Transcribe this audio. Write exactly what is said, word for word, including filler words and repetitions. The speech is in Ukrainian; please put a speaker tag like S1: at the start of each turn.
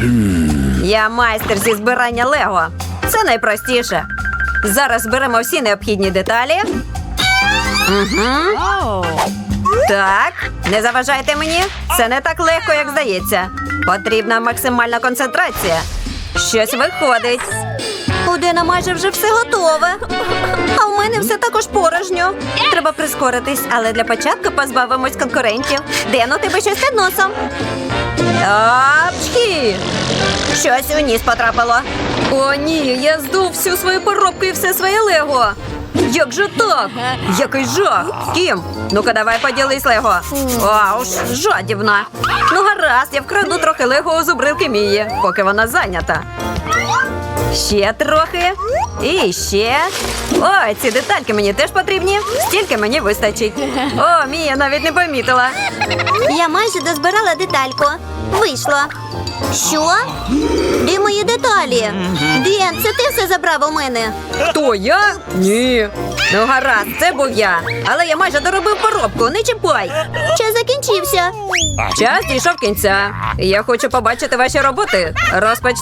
S1: Я майстер зі збирання Лего. Це найпростіше. Зараз зберемо всі необхідні деталі. Угу. Так, не заважайте мені. Це не так легко, як здається. Потрібна максимальна концентрація. Щось виходить. У Дена майже вже все готове. А у мене все також порожньо. Треба прискоритись, але для початку позбавимось конкурентів. Ден, у тебе щось під носом. Апчхі! Щось у ніс потрапило. О, ні, я здув всю свою коробку і все своє Лего. Як же так? Який жах! Кім? Ну-ка, давай поділись Лего. Ауш, жадібна. Ну гаразд, я вкраду трохи Лего у зубрилки Мії, поки вона зайнята. Ще трохи. І ще. Ой, ці детальки мені теж потрібні. Стільки мені вистачить. О, Мія навіть не помітила.
S2: Я майже дозбирала детальку. Вийшло. Що? Де мої деталі? Ден, це ти все забрав у мене?
S1: Хто, я? Ні. Ну гаразд, це був я. Але я майже доробив коробку, не чіпай.
S2: Час закінчився.
S1: Час дійшов кінця. Я хочу побачити ваші роботи. Розпоч...